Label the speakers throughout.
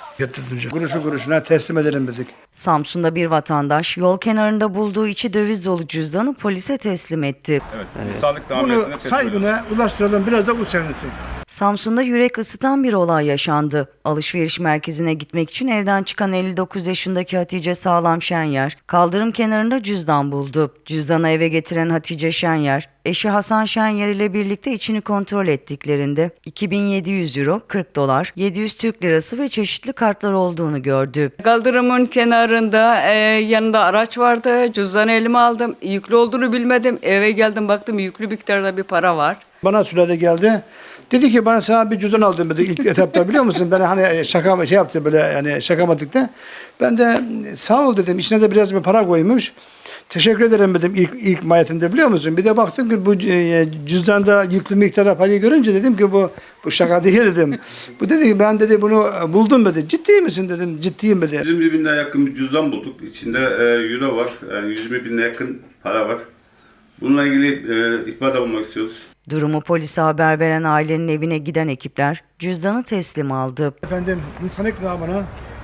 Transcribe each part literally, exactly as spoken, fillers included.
Speaker 1: Getireceğim. Kuruşu kuruşuna teslim edelim dedik.
Speaker 2: Samsun'da bir vatandaş yol kenarında bulduğu içi döviz dolu cüzdanı polise teslim etti.
Speaker 3: Evet, insanlık
Speaker 1: Bunu
Speaker 3: nameriyetine teslim edelim.
Speaker 1: sahibine ulaştıralım, biraz da uçanırsın.
Speaker 2: Samsun'da yürek ısıtan bir olay yaşandı. Alışveriş merkezine gitmek için evden çıkan elli dokuz yaşındaki Hatice Sağlam Şenyer, kaldırım kenarında cüzdan buldu. Cüzdanı eve getiren Hatice Şenyer, eşi Hasan Şenyer ile birlikte içini kontrol ettiklerinde iki bin yedi yüz euro, kırk dolar, yedi yüz Türk lirası ve çeşitli kartlar olduğunu gördü.
Speaker 4: Kaldırımın kenarında e, yanında araç vardı. Cüzdanı elime aldım. Yüklü olduğunu bilmedim. Eve geldim baktım yüklü miktarda bir para var.
Speaker 1: Bana sürede geldi. Dedi ki bana sana bir cüzdan aldım dedi ilk etapta, biliyor musun? Ben hani şaka şey yaptı böyle, yani şakamadıkta. Ben de sağ ol dedim. İçine de biraz bir para koymuş. Teşekkür ederim dedim ilk ilk mahiyetinde, biliyor musun? Bir de baktım ki bu e, cüzdanda yüklü miktarda parayı görünce dedim ki bu bu şaka değil dedim. Bu dedi ki ben dedi bunu buldum dedi. Ciddi misin dedim. Ciddiyim dedi.
Speaker 3: yirmi bine yakın bir cüzdan bulduk. İçinde e, euro var. Yani yüz bine yakın para var. Bununla ilgili e, ihbarda bulunmak istiyoruz.
Speaker 2: Durumu polise haber veren ailenin evine giden ekipler cüzdanı teslim aldı.
Speaker 1: Efendim insanlık namına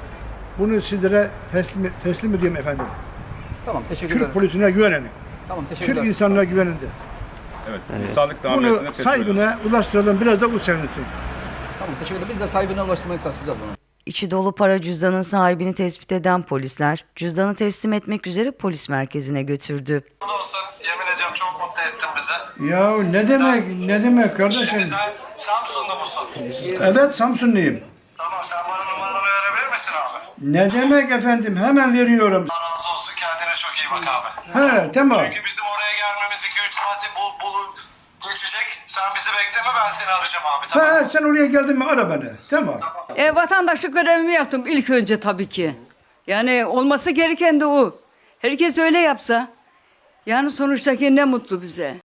Speaker 1: bunu sizlere teslim teslim ediyorum efendim.
Speaker 5: Tamam, teşekkür
Speaker 1: Türk
Speaker 5: ederim.
Speaker 1: polisine güvenin.
Speaker 5: Tamam, teşekkür
Speaker 1: Türk
Speaker 5: ederim.
Speaker 1: insanına güvenin de.
Speaker 3: Evet, insanlık nameriyetine
Speaker 1: Bunu
Speaker 3: teslim edelim.
Speaker 1: sahibine ulaştıralım, biraz da uçanırsın.
Speaker 5: Tamam, teşekkür ederim. Biz de sahibine ulaştırmaya çalışacağız bunu.
Speaker 2: İçi dolu para cüzdanın sahibini tespit eden polisler cüzdanı teslim etmek üzere polis merkezine götürdü.
Speaker 6: olsun. Yemin ediyorum çok mutlu ettin bizi.
Speaker 1: Ya ne demek, ne demek kardeşim?
Speaker 6: Sen Samsun'da mısın?
Speaker 1: Evet, Samsunluyum.
Speaker 6: Tamam, sen bana numaranı verebilir misin abi?
Speaker 1: Ne demek efendim, hemen veriyorum.
Speaker 6: Allah razı olsun. Kendine çok iyi bak abi.
Speaker 1: He, tamam.
Speaker 6: Çünkü bizim oraya gelmemiz iki üç saati bul, bul, geçecek. Sen bizi bekleme, ben seni arayacağım abi. Tamam.
Speaker 1: He, sen oraya geldin mi ara beni. Tamam.
Speaker 4: E, vatandaşlık görevimi yaptım ilk önce tabii ki. Yani olması gereken de o. Herkes öyle yapsa. Yani sonuçtaki ne mutlu bize.